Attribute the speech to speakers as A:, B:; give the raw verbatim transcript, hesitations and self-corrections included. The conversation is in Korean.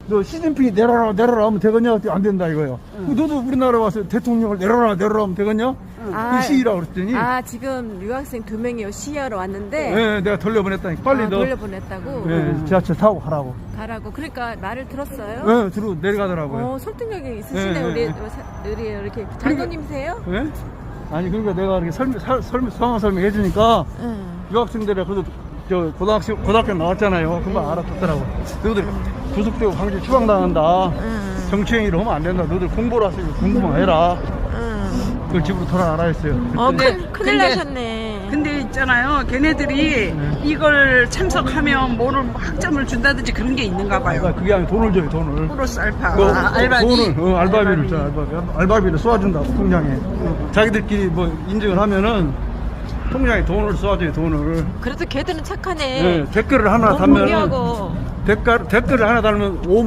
A: 너 시진핑이 내려라 내려라 하면 되겠냐? 안 된다 이거요.
B: 응.
A: 너도 우리나라 와서 대통령을 내려라 내려라 하면 되겠냐?
B: 아,
A: 그 시위라고 그랬더니
B: 아 지금 유학생 두 명이 시위하러 왔는데
A: 예, 내가 돌려보냈다니까 빨리
B: 아,
A: 너
B: 돌려보냈다고
A: 예, 지하철 타고 가라고.
B: 가라고. 그러니까 말을 들었어요.
A: 예, 들어 내려가더라고요.
B: 어, 설득력이 있으시네.
A: 예,
B: 우리,
A: 예.
B: 우리 이렇게 장로님이세요?
A: 예? 아니 그러니까 내가 이렇게 설명 설- 설명 상황 설명해 주니까
B: 응.
A: 유학생들이 그래도 저 고등학생 고등학교 나왔잖아요. 금방 알아듣더라고. 너희들 구속되고 강제 추방당한다.
B: 응.
A: 정치행위를 하면 안 된다. 너희들 공부를 하세요. 공부만 해라.
B: 응.
A: 그걸 집으로 돌아가라 했어요.
B: 어,
A: 그랬더니
B: 큰, 큰일
C: 근데-
B: 나셨네.
C: 근데 있잖아요. 걔네들이 이걸 참석하면 뭐를 학점을 준다든지 그런 게 있는가
A: 그러니까
C: 봐요.
A: 그게 아니라 돈을 줘요. 돈을.
C: 플러스 알파.
A: 그,
C: 아, 알바비.
A: 돈을 어, 알바비를 줘. 알바비. 알바비를 쏘아준다고 통장에. 자기들끼리 뭐 인증을 하면은 통장에 돈을 쏘아줘요. 돈을.
B: 그래도 걔들은 착하네.
A: 예, 댓글을 하나
B: 너무
A: 달면
B: 무리하고.
A: 댓글 댓글을 하나 달면 오